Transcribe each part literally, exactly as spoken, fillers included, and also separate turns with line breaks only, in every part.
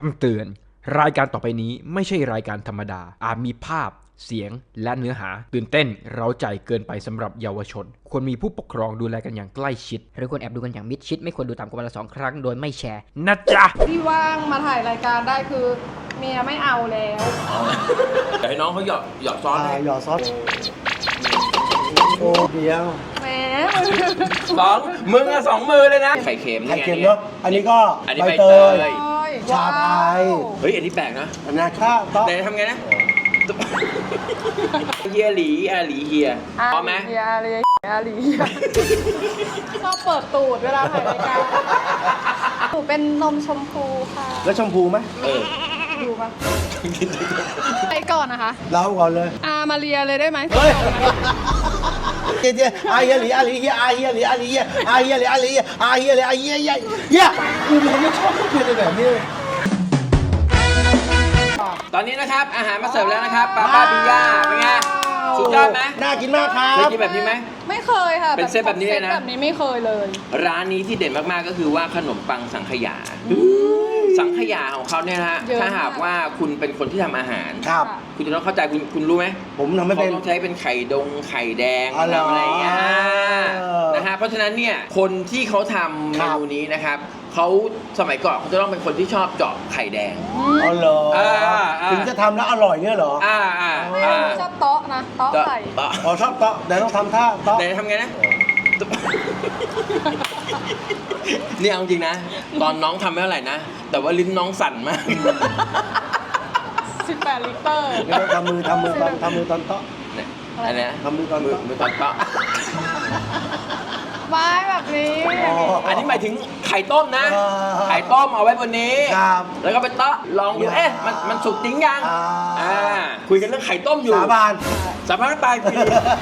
คำเตือนรายการต่อไปนี้ไม่ใช่รายการธรรมดาอาจมีภาพเสียงและเนื้อหาตื่นเต้นเร้าใจเกินไปสำหรับเยาวชนควรมีผู้ปกครองดูแลกันอย่างใกล้ชิดหรือควรแอบดูกันอย่างมิดชิดไม่ควรดูต่ำกว่าวันละสองครั้งโดยไม่แชร์นะจ๊ะ
ที่ว่างมาถ่ายรายการได้คือเมียไม่เอาแล้ว
เดี๋ยวให้น้องเขาหยอดหยอดซอสให้
หยอดซอสโอ้เดียว
แหม
สองมึงอะสองมือเลยนะไข่เค็ม
ไข่เค็มเนาะอันนี้ก็
อันนี้
ใบ
ใบ
เต
เต
ย
ย
ชาไทย
เฮ้ยอันนี้แปลกนะ
อันนี้ข้าวต๊อก
เดี๋ยวทำไงนะเฮียหลีอาหลีเฮียพร้อมไหม
เฮียอะไรอะไรชอบเปิดตูดเวลาถ่ายรายการหนูเป็นนมชมพูค่ะ
แล้วชมพูไหม
เออ
ดูปะไปก่อนนะคะ
เราก่อนเลย
อามาเรียเลยได้ไหม
เฮ้ยเจ๊เจ๊อาเฮียหลีอาหลีเฮียอาเฮียหลีอาหลีเฮียอาเฮียหลีอาหลีอาเฮียหลีอาเฮียเฮียเฮียกูเป็นคนที่ชอบพูดแบบนี้
ตอนนี้นะครับอาหารมาเสิร์ฟแล้วนะครับปาปาปิย่าเป็นไงสุดยอดไหม
น่ากินมากครั
เคย
บ
กินแบบนี้ไหม
ไม่เคยค่ะ
เป็นเซตแบบนี้เลยนะ
ซตแบบนี้ไม่เคยเลย
ร้านนี้ที่เด่นมากๆก็คือว่าขนมปังสังขยาสังขยาของเขาเนี่ยนะฮะถ้าหากว่าคุณเป็นคนที่ทำอาหาร
ครับ
คุณจะต้องเข้าใจคุณคุณรู้ไหม
ผมทำไม่
เขา
เป็น
ต้องใช้เป็นไข่ดงไข่แดง
อ๋อเหรอ
ทำอะไรอย่างเงี้ย
เออ
นะฮะเพราะฉะนั้นเนี่ยคนที่เขาทำเม
ครับ
นูนี้นะครับเขาสมัยก่อนเขาจะต้องเป็นคนที่ชอบเจาะไข่แดง
อ๋อเหรอ
อ่าอ่า
ถึงจะทำแล้วอร่อยเงี้ยเหรอ
อ่าอ่า
ไม่
อ่า
ชอบโต๊ะนะโต๊ะ
เจาะ
ไข่
เจาะ
อ๋อชอบเตาะแต่ต้องทำท่าเตาะ
แต่ทำไงนะเนี่ยเอาจริงนะ ตอนน้องทำไม่เท่าไหร่นะ แต่ว่าลิ้นน้องสั่นมาก
สิบแปดลิตร
เดี๋ยวทำมือทำมือตอนทำมือตอนเตาะ
อันเนี้ย
ทำมือตอน
มือ
เตาะ
มือตอนเปาะ
ไม้แบบนี้
อ๋อ
อันนี้หมายถึงไข่ต้มนะ
อ่า
ไข่ต้มเอาไว้บนนี้
ครับ
แล้วก็ไปเตาะลองดู เอ๊ะ มันมันสุกจริงยัง
อ่า
อ่า คุยกันเรื่องไข่ต้มอยู่
สาบาน
สาบานไปคุย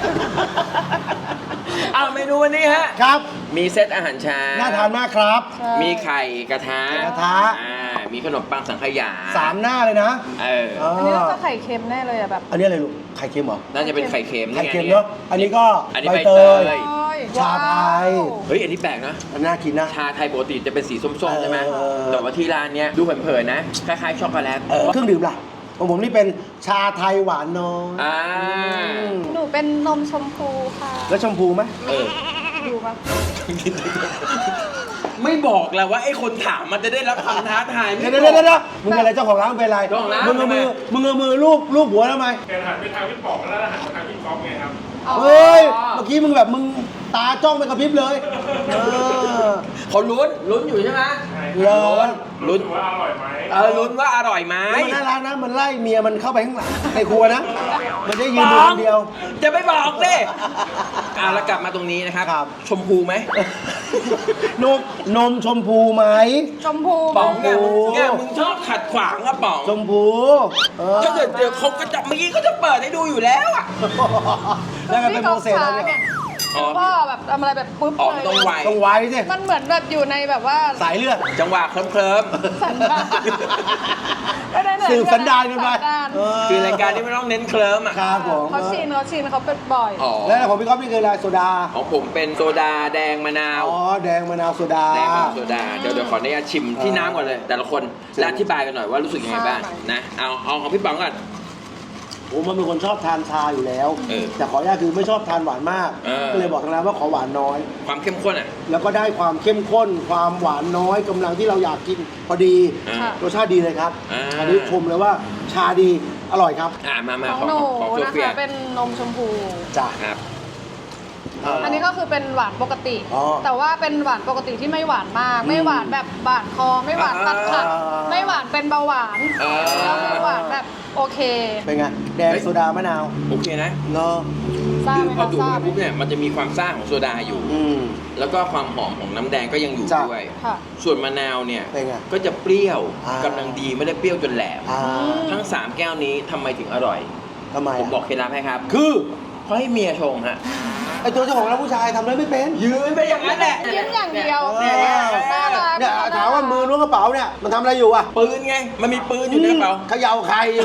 เอาเมนูวันนี้ฮะ
ครับ
มีเซตอาหารเช้า
น่าทานมากครับ
มีไข่กระทะ
กระทะ
อ่า มีขนมปังสังขยา
สามหน้าเลยนะ
เออ
เออ
อันนี้น่าจะไข่เค็มแน่เลยอะแบบ
อันนี้อะไรลูก ไข่เค็มเหรอ
น่าจะเป็นไข่เค็ม
ไข่เค็ม
นี่ย
เนาะ อันนี้ก็
อันนี้
ใบ
ใบ
เต
เต
ย
ย
ชาไทย
เฮ้ย อันนี้แปลกนะ
อันน่ากินนะ
ชาไทยปกติจะเป็นสีส้มๆใช่ไหม
เออ
แต่ว่าที่ร้านเนี้ยดูเผินๆนะ คล้ายๆช็อกโกแลต
เออเครื่องดื่มล่ะ ของผมนี่เป็นชาไทยหวานน้อย
อ่า
อืม
หนูเป็นนมชมพูค่ะ
แล้วชมพูไหม
เออ
ดูปะ
ไม่บอกแล้วว่าไอ้คนถามมันจะได้รับคำท้าทาย
เดี๋ยวเดี๋ยวเดี๋ยวเดี๋ยวมึงเป็นอะไรเจ้าของร้านมึงเป็นอะไร
เจ้าของร้าน
มึงเอามือ
ทำไม
มึงเอามือลูบลูบหัวทำไม
แกหันไปทางพี่ป๋องแล้วหันไปทางพี่ก๊อฟไงครับ
เฮ้ย เมื่อกี้มึงแบบมึงตาจ้องไปกระพริบเลยเออ
เขาลุ้นลุ้นอยู่ใช่ไหม
เหรอ
ลุ้น
ดูว่าอร่อยไหม
เออลุ้นว่าอร่อยไหม
แล้วมันน่ารักนะ มันไล่เมียมันเข้าไปข้างหลังในครัวนะ มันได้ยืนดูคนเดียว
จะไม่บอกดิอ่ะแล้วกลับมาตรงนี้นะครับ
ครับ
ชมพูไหม
นมนมชมพูไหม
ชมพู
ป๋องเนี่ย
ชมพู
เนี่ยมึงชอบขัดขวางอะป๋อง
ชมพูเออ
ถ้าเกิดเดี๋ยวเขาก็จะเมื่อกี้ก็จะเปิดให้ดูอยู่แล้วอะ
แล้วกันเป็นโมเสสแล้วเนี่ย
อ๋อ
พ่อแบบทำอะไรแบบปุ๊บ
อ๋อ
เลย
ต้องไว
ต้องไว้สิ
มันเหมือนแบบอยู่ในแบบว่า
สายเลือด
จังหวะเคลิ้ม
สันดานไม่ได้เลย
สืบสันดานกันไป
สัดาน
เออ
ๆคือรายการที่ไม่ต้องเน้นเคลิ้มอะ
ครับผม
เขาชินเขาชินเขาเป็นบ่อย
อ๋อ
แล้วของพี่ก๊อฟนี่คืออะไรโซดา
ของผมเป็นโซดาแดงมะนาว
อ๋อ แดงมะนาวโซดา
แดงมะนาวโซดา เดี๋ยวเดี๋ยวขออนุญาตชิมที่น้ำก่อนเลย แต่ละคนและอธิบายกันหน่อยว่ารู้สึกยังไงบ้างนะ เอาเอาของพี่ป๋องก่อน
ผมมันเป็นคนชอบทานชาอยู่แล้ว
เออ
แต่ขออนุญาตคือไม่ชอบทานหวานมาก
เออ
ก็เลยบอกทางร้านว่าขอหวานน้อย
ความเข้มข้นอ่ะ
แล้วก็ได้ความเข้มข้น ความหวานน้อยกำลังที่เราอยากกินพอดี
อ่า
ค่ะ
รสชาติดีเลยครับ
อ่า
อันนี้ชมเลยว่าชาดี อร่อยครับ
อ่ามามา
ของ
ของ
หนู
ของโซ
นะ
เฟีย
คะเป็นนมชมพู
จ้ะ
ครับ
อันนี้ก็คือเป็นหวานปกติ
อ๋อ
แต่ว่าเป็นหวานปกติที่ไม่หวานมาก ไม่หวานแบบบาดคอ ไม่หวานตัดขัด
อ่า
ไม่หวานเป็นเบาหวาน
อ่า
แล้วคือหวานแบบโอเค
เป็นไง แดงโซดามะนาว
โอเคนะ
เนาะ
ทราบ
คือ
ไหม
พอ
คะ
ดู
ทรา
ด
บ
ปุ๊บเนี่ยมันจะมีความซ่าของโซดาอยู่
อืม
แล้วก็ความหอมของน้ำแดงก็ยังอยู่
จ้ะ
ด้วย
ค่ะ
ส่วนมะนาวเนี่ย
เป็นไง
ก็จะเปรี้ยว
อ่าก
ำลังดีไม่ได้เปรี้ยวจนแหลม
อ่า
ทั้งสามแก้วนี้ทำไมถึงอร่อย
ทำไม
ผมบอกเคล็ดลับให้ครับ
คือ
เพราะให้เมียชงฮะ
ไอตัวเจ้าของร้านผู้ชายทำอะไรไม่เป็น
ยืนไปอย่างนั้นแหละ
ยิ้มอย่างเดียว
เออ
น่ารัก
เนี่ยถามว่ามือล้วงกระเป๋าเนี่ยมันทำอะไรอยู่อ่ะ
ปืนไง มันมีปืนอยู่ในกระเป๋า
เขย่าใครอยู่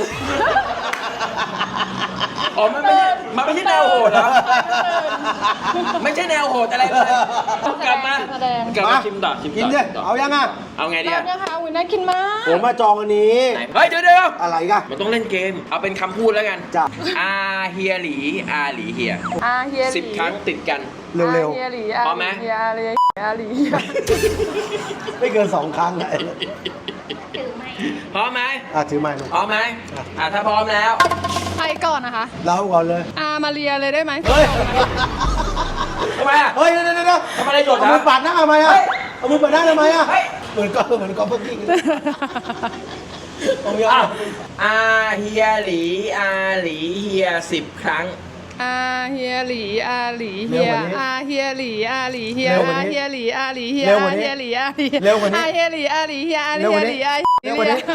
อ๋อ มันไม่ใช่มันไม่ใช่แนวโหดเหรอ ไม่ใช่แนวโหดอะไรเลยกลับมา
แสดง
กลับมาชิมต่อชิมต่อ
กินดิ
ชิมต่
เอายังอ่ะ
เอาไงดี
เรา
อะ
เนี่ยค่ะอุ้ยน่ากินมาก
ผมมาจองอันนี้
ไหนเฮ้ยเดี๋ยวเดี๋ยว
อะไรกัน
มันต้องเล่นเกม เอาเป็นคำพูดแล้วกัน
จ้ะ
อาเฮียหลีอาหลีเฮีย
อาเฮียหลี
สิบครั้งติดกัน
เร็ว
อาเฮียหลีอา
พร้อมไหม
เฮียอาเฮียอาหลี
ๆ ไม่เกินสองครั้งอะ
พร้อมไหม
อ่ะถือไม้หนุ่ม
พร้อมไหมอ่ะถ้าพร้อมแล้ว
ใครก่อนนะคะ
เราก่อนเลย
อามาเรียเลยได้ไหม
เฮ้ย
ทำไมอ่ะ
เฮ้ยเดี๋ยวเดี๋ยวเดี๋ยว
ทำอะไรหยด
เอา
นะ
มือปัดหน้าทำไมอ่ะ
เฮ้ย
เอามือปัดหน้าทำไมอ่ะ
เฮ้ย
เหมือนก็เหมือนก็เพิ่งกินเอาอย่าง
อ่ะอาเฮียหลีอาหลีเฮียสิบครั้ง
อาเฮียหลีอาหลีเฮียอาเฮียหลีอาหลีเฮียอาเฮียหลีอาหลีเฮียอาเฮียหลีอาหลีอาเฮียหลีอาหลีเฮียอาเฮียหลีอา
เร็วกว่านี้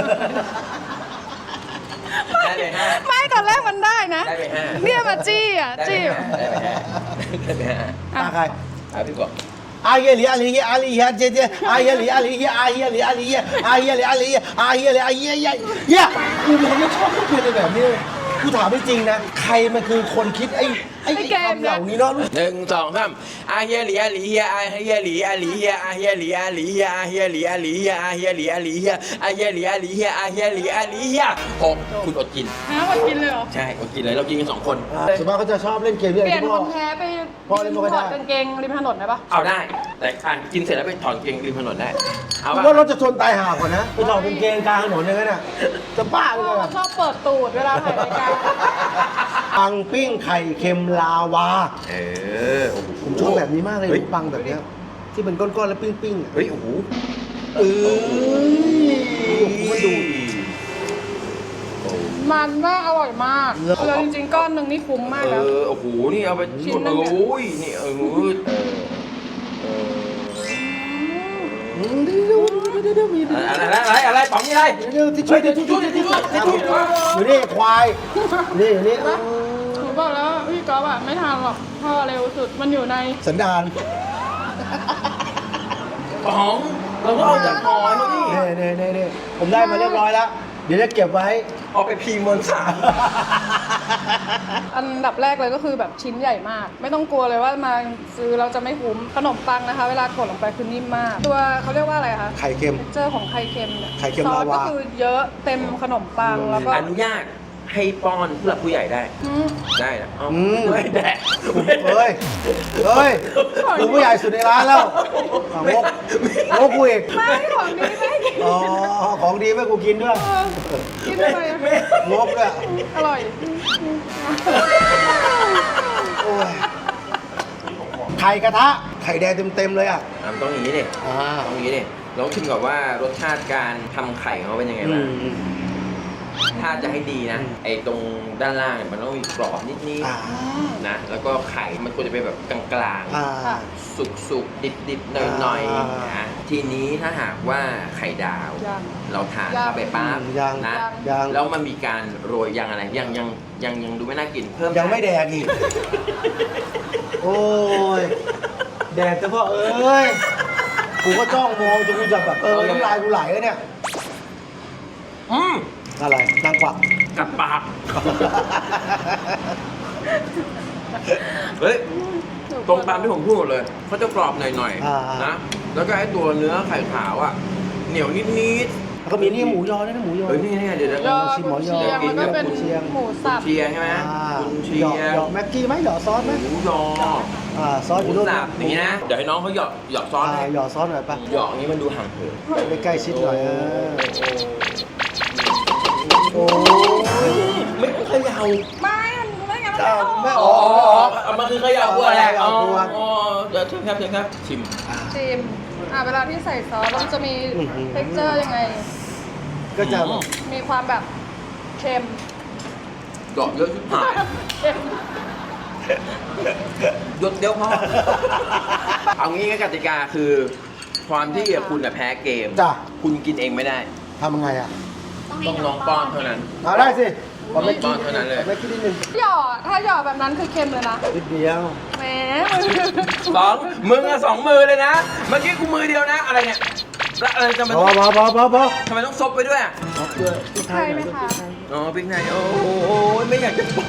ได้ไปห้า
ไม่ตอนแรกมันได้นะ
ได้ไปห้า
เนี่ยมาจี้อ่ะ
ได้ไป
จี้
ห้าได้ไปห้าได้ไปห้า
ตาใคร
อ่ะพี่บอก
อาเฮียหลีอาหลีเฮียอาหลีเฮียเจเจอาเฮียหลีอาหลีเฮียอาเฮียหลีอาหลีเฮียอาเฮียหลีอาหลีเฮียอาเฮียหลีอาเฮียเฮียเฮียกูเป็นคนไม่ชอบพูดอะไรแบบนี้เลยกูถามจริงๆนะ ใครมันคือคนคิดไอ้ไอ้คำเหล่านี้เนาะ
หนึ่งสองสามอาเฮียหลีอาหลีเฮียอาเฮียหลีอาหลีเฮียอาเฮียหลีอาหลีเฮียอาเฮียหลีอาหลีเฮียอาเฮียหลีอาหลีเฮียอาเฮียหลีอาหลีเฮียอาเฮียหลีอาหลีเฮียหกคุณอดกิน
ฮะมากินเลยเหรอ
ใช่อดกินเลยเรากินกันสองคน
ส่วนมากเขาจะชอบเล่นเกมเรื่
เป
อง
ลี่ยน
ที่
ค
พ่อน
แพ้ไป
พ่อเล่นไม่ค่อยได้
ถอดกางเกงริมถนนได้ปะ
เอาได้ แต่อ่านกินเสร็จแล้วไปถอนเกงริมถนนได้ เอา
ผม
ป่ะ
ว่ารถจะชนตายห่าก่อนนะไปถอดกางเกงกลางถนนอย่างนั้นน่ะจะบ้าไป
พ่อ
เลย
เขาชอบเปิดตูดเวลาถ่ายรายการ
ปังปิ้งไข่เค็มลาวา
เออโอ้โห
ผมชอบแบบนี้มากเลย
ฮ้
ปังแบบเนี้ยที่เป็นก้อนๆแล้วปิ้งๆอ่ะ
เฮ้ยโอ้โห
เออมันดู
มันมากอร่อยมาก
เหรอ
เลยจริงๆก้อนหนึ่งนี่คุ้มมาก
เอ
แล้ว
อโอ้โหนี่เอาไป
ชิ้นหนึ่งเนี่ย
โอ้ยนี่เออเออเออ
อืมเดี๋ยวเดี๋ยวเดี๋ยวมี
อะไรอะไรอะไรป๋องนี่อะไร
เดี๋ยวที่ช่วยที่ช่วยที่ช่วยที่ช่วยอยู่นี่ควายนี่อยู่นี่
หนูบอกแล้วพี่ก๊อฟอะไม่ทานหรอกพ่อเร็วสุดมันอยู่ใน
สันดาน
ป๋องเราก็เอาจากหอยมาดิ
นี่นี่นี่นี่ผมได้มาเรียบร้อยแล้ว เดี๋ยวจะเก็บไว้
เอาไปพิมพ์บนสาร
อันดับแรกเลยก็คือแบบชิ้นใหญ่มาก ไม่ต้องกลัวเลยว่ามาซื้อเราจะไม่คุ้มขนมปังนะคะ เวลากดลงไปคือนิ่มมาก ตัวเขาเรียกว่าอะไรคะ
ไข่เค็ม
เจอของไข่เค็มเนี่ย
ไข่เค็ม
ซอส
ลาวา
ก็คือเยอะเต็มขนมปังแล้วก็
อนุญาตให้ป้อนผู้หลักผู้ใหญ่ได้
อืม
ได้นะเอา
อืม
ไม่แดก
เฮ้ยเฮ้ยกูผู้ใหญ่สุดในร้านแล้วอ่ะงกงกกูอีก
ไม่ของดีไม่ให้กิน
อ๋อของดีไม่กูกินด้วย
เออกินอะไรอะ
งกด้วย
อร่อย
โอ้ยไข่กระทะ ไข่แดงเต็มๆเลยอ่ะ
อ่ะมันต้องอย่างนี้ดิ
อ่า
ต้องอย่างนี้ดิลองชิมก่อนว่ารสชาติการทำไข่ของเขาเป็นยังไง
อื
บ้าง
มอืม
ถ้าจะให้ดีนะ ไอ้ตรงด้านล่างเนี่ยมันต้องมีกรอบนิด
อ่า
ๆนะ แล้วก็ไข่มันควรจะเป็นแบบกลาง
อ่า
ๆ สุกๆ ดิบๆ หน่อย
อ่า
ๆนะทีนี้ถ้าหากว่าไข่ดาว
ยัง
เราทาน
ยัง
เข้าไปปั๊บ
ยัง
นะ
ยัง
แล้วมันมีการโรยยังอะไร ยังยังยังยังดูไม่น่ากิน เพิ่ม
ยังไม่แดกอีก โอ้ย แดกเฉพาะเอ้ย กูก็จ้องมองจนกูจะแบบเออน้ำลายกูไหลแล้วเนี่ย
อืม
อะไรนางกวัก
กัดปาก เฮ้ย ตรงตามที่ผมพูดหมดเลยเขาจะกรอบหน่อย
อ่า
ๆนะ แล้วก็ไอ้ตัวเนื้อไข่ขาวอ่ะ เหนียวนิด
แล้วก็มีนี่หมูยอด้วยนะหมูย
ๆ
อ
เฮ้ยนี่นี่เดี๋ยวเดี๋ยว
ยอ
ชิมหม
กุ
อน ยอ
เชียงแล้วก็เป็น
กุนเชียง
หมูสับ
เชียร์ใช่ไหม
อ่า
คุณเชี
หยอก
ยร์
หยอกแม็กกี้ไหมหยอกซอสไหม
หมูยอ
อ่าซอส
ห
อ
มู
ยู่นู่น
สับอย่างนี้นะ เดี๋ยวให้น้องเขาหยอกหยอกซอส
อ่า
ให้
หยอกซอสหน่อยปะ
หยอกอย่างนี้มันดูห่างเหิน
ไปใกล้ชิดหน่อยเออโอ้ย
ไม่เขย่า
ไม่มันไม่งั้นมัน
อ้าว
ไม่
ไม่
อ
อ
อ
อก ก
เอามาคือเขย่าบัวแหละ
เขย่าบัว
อ๋อเดี๋ยวเชิญครับเชิญครับ ชิม
ชิมอ่ะเวลาที่ใส่ซอสมันจะมี texture ยังไง
ก็จะ
มีความแบบเค็ม
ดอกเยอะชิบหาย
เค็ม
หยดเดียวพอ เอางี้ก็กติกาคือ ความที่คุณน่ะแพ้เกม
จ้ะ
คุณกินเองไม่ได้
ทำยังไงอ่ะ
ต้องน้องป้อนเท่านั้น
เอาได้สิ
อ
ขอไม่
ป้อนเท่านั้นเลย
ไม่คิดนิดนึง
หยอดถ้าหยอดแบบนั้นคือเค็มเลยนะ
นิดเดียว
แหม
สองมึงอะสองมือเลยนะ เมื่อกี้กูมือเดียวนะ อะไรเนี่ยแล้วอะไรทำไม
พ
ต้
อ
อง
พอพอพอพอ
ทำไมต้องซบไปด้วยอะ
เอาเกลือพริกไท
ใช่
ย
ไหม
น่อย
คะ
อ๋อพริกไทยโอ้โหไม่อยากจะบอก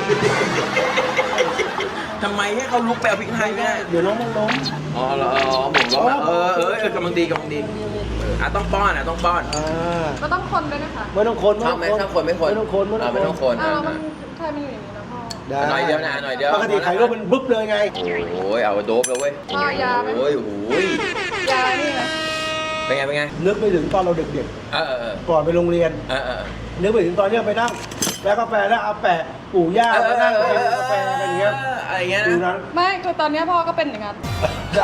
ทำไมให้เขาลุกไปเอาพริกไทยไม่ได้
เดี๋ยวน้องมันล้ม
อ๋อเหรออ๋อผมก็แบบเออเออเออกำลังดีกำลังดีเอออ่ะต้องป้อนอ่ะต้องป้อน
อ่า
ก็ต้องคนด้วยนะคะ
ไม่ต้องคน
ชอบไหมชอบคนไม่คน
ไม่ต้องคนไม่
อ่ะ
ต้
ไม่
อ
ต้อง ง
ค
คน น
อ้าว
อ่ะ
แล้วมันใช่มันอยู่อย่างนี้นะพ่อ
ได้
หน่อยเดียวนะหน่อยเดียว
ปกติไข่ลวกมันบึ๊บเลยไง
โอ้ยเอาโดบแล้วเว้ย
พ่อยาไหม
โอ้ยโอ้ย
ยานี่นะ
เป็นไงเป็นไง
นึกไปถึงตอนเราเด็ก
เออเออเออ
ๆ ก่อนไปโรงเรียน
เออเออ
นึกไปถึงตอนเนี้ยไปนั่งแล้วกาแฟแล้วเอาแปะปู่ย่าแล้วนั่งกินกาแฟกันอย่างเงี้ย
อะไรอย่างเงี้ย
ดู
นะ
นั้น
ไม่คือตอนเนี้ยพ่อก็เป็นอย่างนั้น
ได้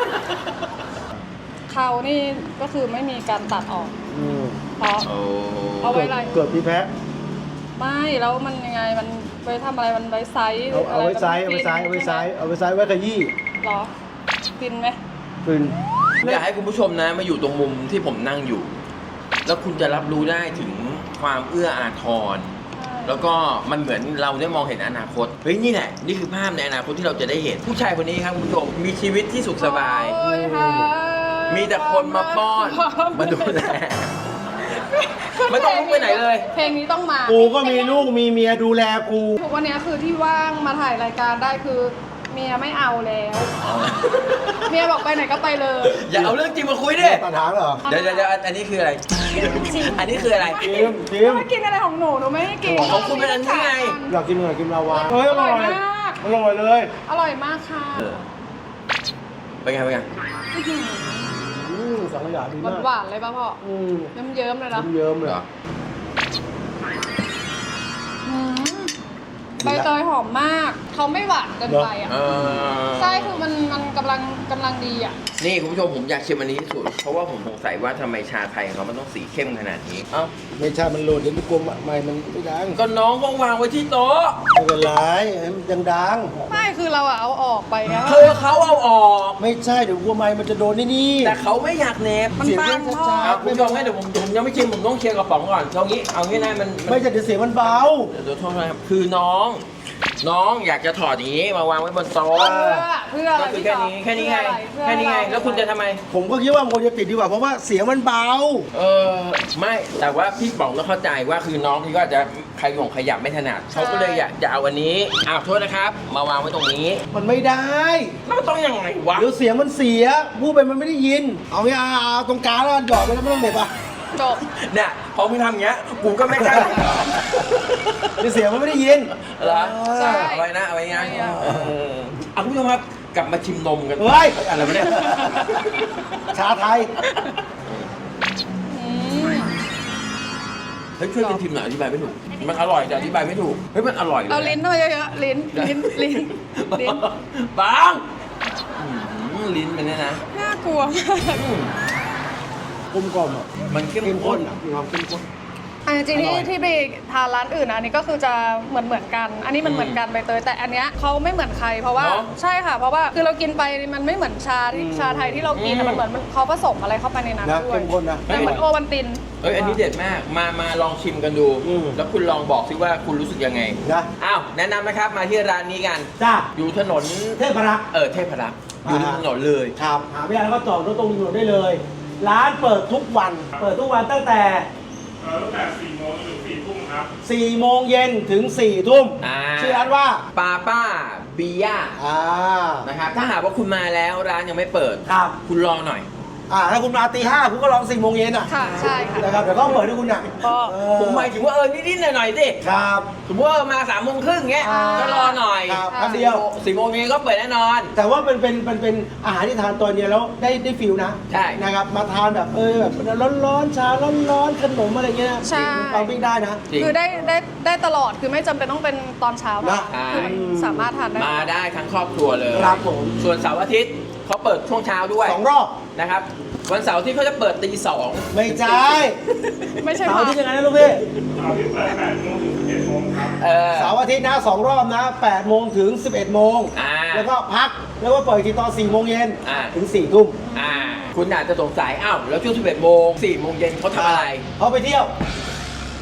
เขานี่ก็คือไม่มีการตัดออก
อืม
เพราะ
โอ้
เอาไว้อะไร
เกิดมีแพ้
ไม่แล้วมันยังไงมันไว้ทำอะไรมันไว้ไซส์
เอาเอาไว้
ะร
ไซส์เอาไว้ไซส์เอาไว้ไซส์เอาไว้ไซส์ไว้ขยี้
เหรอฟินไหม
ฟิน
อยากให้คุณผู้ชมนะมาอยู่ตรงมุมที่ผมนั่งอยู่ แล้วคุณจะรับรู้ได้ถึงความเอื้ออาทร
ใช่
แล้วก็มันเหมือนเราได้มองเห็นอนาคต เฮ้ยนี่แหละนี่คือภาพในอนาคตที่เราจะได้เห็น ผู้ชายคนนี้ครับคุณผู้ชมมีชีวิตที่สุขสบาย
โอ้ยค่ะ
มีแต่คนมาป้อนมาดูแลไม่ต้องลุกไปไหนเลย
เพลงนี้ต้องมา
กูก็มีลูกมีเมียดูแลกู
ทุกวันนี้คือที่ว่างมาถ่ายรายการได้คือเมียไม่เอาแล้ว เมียบอกไปไหนก็ไปเลย
อย่าเอาเรื่องจริงมาคุยดิ
ตัดหางเหรอ
เดี๋ยวเดี๋ยวเดี๋ยวอันนี้คืออะไร อันนี้คืออะไร
จิมจิม
ไม่กินอะไรของหนูหนูไม่ให้กิน
ของคุณเป็นอันนี้ไง
อยากกินอะไรกินลาวาเฮ้ยอร่อย
อร่อยมาก
อร่อยเลย
อร่อยมากค่ะ
เออเป็นไงเป็นไง
อืมสังขยาดี
ห
มาก
วานๆเลยป่ะพ่อ
อืม
เยิ้มๆเลยนะ
เยิ้มๆเลย
เหรอ
อืมใบเตยหอมมาก เขาไม่หวานเกินไปอ่ะ
เออ
ใช่คือมันมันกำลังกำลังดีอ่ะ
นี่คุณผู้ชมผมอยากชิมอันนี้ที่สุด เพราะว่าผมสงสัยว่าทำไมชาไทยของเขามันต้องสีเข้มขนาดนี้ เอ้า
ไม่ใช่มันโหลดเดี๋ยวมันกลมใหม่มันไม่ดัง
ก็น้องก็วางไว้ที่โต๊ะ
ไม่เป็นไรให้มันยังดัง
ไม่คือเราอะเอาออกไปไง
เธอเขาเอาออก
ไม่ใช่เดี๋ยวกลัวไม้มันจะโดนนี่นี่
แต่เขาไม่อยากเนบ
มัน
เสียง
บา
แค่
งพ่อ
ช้า
เอาคุณผู้ชมให้เดี๋ยวผมผมยังไม่ชิมผมต้องเคลียร์กระป๋องก่อนเอางี้เอางี้นะมันมัน
ไม่ใช่เดี๋ยวเสียงมันเบา
เดี๋ยวโทษนะครับคือน้อง น้องอยากจะถอดอย่างนี้มาวางไว้บนโต๊ะ
เพื่อเพื่ออะไร
ก็คือแค่นี้แค่นี้ไง
เพื่อ
แค่
อะไร
นี้ไง
เพื่อ
แล้วคุณจะทำไม
ผมก็คิดว่ามันควรจะติดดีกว่าเพราะว่าเสียงมันเบา
เออไม่แต่ว่าพี่ป๋องต้องเข้าใจว่าคือน้องที่ก็อาจจะขยงขยับไม่ถนัดเขาก็เลยอยากจะเอาอันนี้อ้าวโทษนะครับ มาวางไว้ตรงนี้
มันไม่ได้
แล้วมันต้องยังไงวะ
เดี๋ยวเสียงมันเสียพูดไปมันไม่ได้ยิน เอางี้เอาเอาตรงกลางแล้วหยอดไปแล้วไม่ต้องเหน็บอ่ะ
จบ
เนี่ยพอมึงทำอย่างเงี้ยกูก็ไม่กล้า
เดี๋ยวเสียงมันไม่ได้ยิน
เหรอ
ใช่
เอาไว้นะเอาไว้นะ
ไม่เอา
เออเอาคุณผู้ชมครับกลับมาชิมนมกัน
เฮ้ย
อะไรวะเนี่ย
ชาไทย
อืม
เฮ้ยช่วยกันชิมหน่อยอธิบายไม่ถูกมันอร่อยแต่อธิบายไม่ถูกเฮ้ยมันอร่อยเลย
เอาลิ้นเข้าไปเยอะๆลิ้นลิ้นลิ้นลิ้น
บางอื้อหือลิ้นมันเนี่ยนะ
น่ากลัวมาก
อืม
กลมกล่อมอ่ะ
มันเข้ม
เข้ม
ข้
ข้
น
นอ่ะมีความเข้มข้น
อันจริงๆ
อร่
ที่
อย
ที่ไปทานร้านอื่นนะอันนี้ก็คือจะเหมือนเหมือนกัน อันนี้มันเหมือนกันใบเตยแต่อันเนี้ยเขาไม่เหมือนใครเพราะว่าใช่ค่ะ เพราะว่าคือเรากินไปมันไม่เหมือนชาที่ชาไทยที่เรากินอะมันเหมือนมันเขาผสมอะไรเข้าไปในนั้น
นะ
ด้วย
เข้มข้นนะ
แต่เหมือนโอวันติน
เอ้ยอันนี้เด็ดมากมามาลองชิมกันดู
อืม
แล้วคุณลองบอกสิว่าคุณรู้สึกยังไง
นะ
อ้าวแนะนำนะครับมาที่ร้านนี้กัน
จ้า
อยู่ถนน
เทพรักษ์
เออเทพรักษ์อยู่ริมถนนเลย
ครับหาไม่ได้แล้วก็จอดรถตรงถนนได้เลย ร้านเปิดทุกวัน เปิดทุกวันตั้งแต่
เอ่อตั้งแต่สี่โมงถึงสี่ทุ่มครับ
สี่โมงเย็นถึงสี่ทุ่ม
อ่า
ชื่อร้านว่า
ปาป้าบีย่า
อ่า
นะครับถ้าหากว่าคุณมาแล้วร้านยังไม่เปิด
ครับ
คุณรอหน่อย
อ่าถ้าคุณมาตีห้าคุณก็ลองสี่โมงเย็นอ่ะ
ค่ะใช่ค่ะ
นะครับเดี๋ยวเขาเปิดให้คุณอ่ะ
ก็
เออ
ผมหมายถึงว่าเออนิดๆหน่อยๆสิ
ครับ
สมมติว่ามาสามโมงครึ่งเงี้ย
อ่า
ก็รอหน่อย
ครับแป๊บเดียว
สี่โมงเย็นก็เปิดแน่นอน
แต่ว่าเป็นเป็นเป็นเป็นอาหารที่ทานตอนเย็นแล้วได้ได้ฟิลนะ
ใช่
นะครับมาทานแบบเออแบบร้อนๆชาร้อนๆขนมอะไรเงี้ย
ใช่
ปังปิ้งได้นะ
จริง
คือได้ได้ได้ตลอดคือไม่จำเป็นต้องเป็นตอนเช้า
นะ
ใช่
คือมันสามารถทานได้
มาได้ทั้งครอบครัวเลย
ครับผม
ส่วนเสาร์อาทิตย์เขาเปิดช่วงเช้าด้วย
สองรอบ
นะครับ วันเสาร์ที่เขาจะเปิดตีสอง
ไม่ใช่
ไม่ใช่
เสาร์
ผั
อา
ก
ที่ยังไงนะลูกพี่
เสาร์ที่เปิดแปดโมงถึงสิบเอ็ดโมงครับ
เออ
เสาร์อาทิตย์นะสองรอบนะแปดโมงถึงสิบเอ็ดโมง
อ่า
แล้วก็พักแล้วก็เปิดอีกทีตอนสี่โมงเย็น
อ่า
ถึงสี่ทุ่ม
อ่า คุณอาจจะสงสัยอ้าวแล้วช่วงสิบเอ็ดโมงสี่โมงเย็นเขาทำอะไร
เขาไปเที่ยว ไป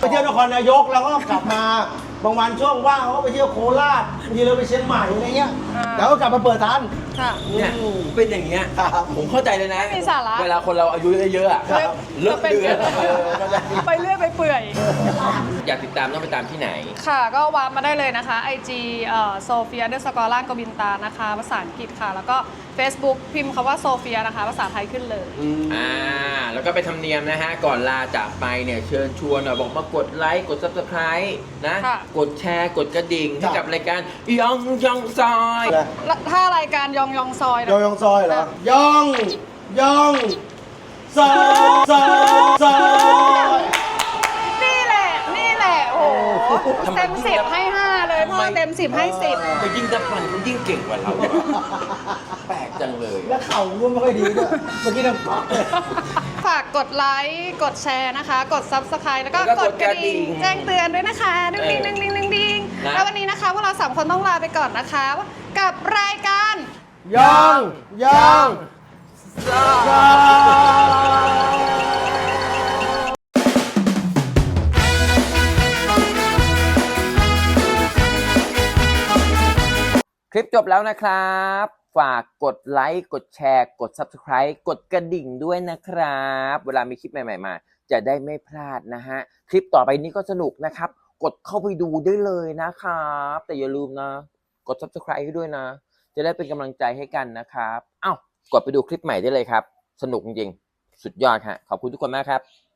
เที่ยวนครนายกแล้วก็กลับมาบางวันช่วงว่างเขาก็ไปเที่ยวโคราชบางทีเราไปเชียงใหม่อะไรเงี้ย
อ่า
แล้วก็กลับมาเปิดทัน
ค่ะ
เนี่ยเป็นอย่างเงี้ย
ครับ
ผมเข้าใจเลยนะ
ไม่มีสาระ
เวลาคนเราอายุเยอะๆอะ
ครับ
เลิกเดือน
ก็เป็น
เออเข้าใจ
ไปเรื่อยไปเปื่อย
อยากติดตามต้องไปตามที่ไหน
ค่ะก็วางมาได้เลยนะคะ ไอ จี เอ่อโซเฟียเดอร์สกอร์ล่างกบินตานะคะภาษาอังกฤษค่ะ แล้วก็ Facebook พิมพ์คำว่าโซเฟียนะคะ ภาษาไทยขึ้นเลย
อ่า แล้วก็ไปทำเนียมนะฮะ ก่อนลาจากไปเนี่ยเชิญชวนหน่อยบอกมากดไลค์ กด ซับสไครบ์ นะ
ค่ะ
กดแชร์ กดกระดิ่งให้
จ้ะ
กับรายการยองยองซอย
แล้วถ้ารายการยองยองซอยนะ
ยองยองซอยเหรอยองยองซอยซอยซอย
นี่แหละ นี่แหละ โอ้โห
ทำไม
เต็มสิบให้ห้าเลยพ่อเต็มสิบให้สิบ
แต่ยิ่งดับมันคุณยิ่งเก่งกว่าเราอะแปลกจังเลย
แล้วเข่าก็ไม่ค่อยดีด้วยเมื่อกี้น้ำปักเลย
ฝากกดไลค์ กดแชร์นะคะ กด Subscribe แล้วก็
แล้วก็
กดกระดิ่ง
กดกระดิ่ง
แจ้งเตือนด้วยนะคะดึงดิงดึงดิงดึงดิง
นะ
แล้ววันนี้นะคะพวกเราสามคนต้องลาไปก่อนนะคะ กับรายการ
ยองยองซอย
คลิปจบแล้วนะครับ ฝากกดไลค์ กดแชร์ กด ซับสไครบ์ กดกระดิ่งด้วยนะครับ เวลามีคลิปใหม่ๆมา จะได้ไม่พลาดนะฮะ คลิปต่อไปนี้ก็สนุกนะครับ กดเข้าไปดูได้เลยนะครับ แต่อย่าลืมนะ กด ซับสไครบ์ ให้ด้วยนะ จะได้เป็นกำลังใจให้กันนะครับ เอ้ากดไปดูคลิปใหม่ได้เลยครับ สนุกจริงๆ สุดยอดฮะ ขอบคุณทุกคนมากครับ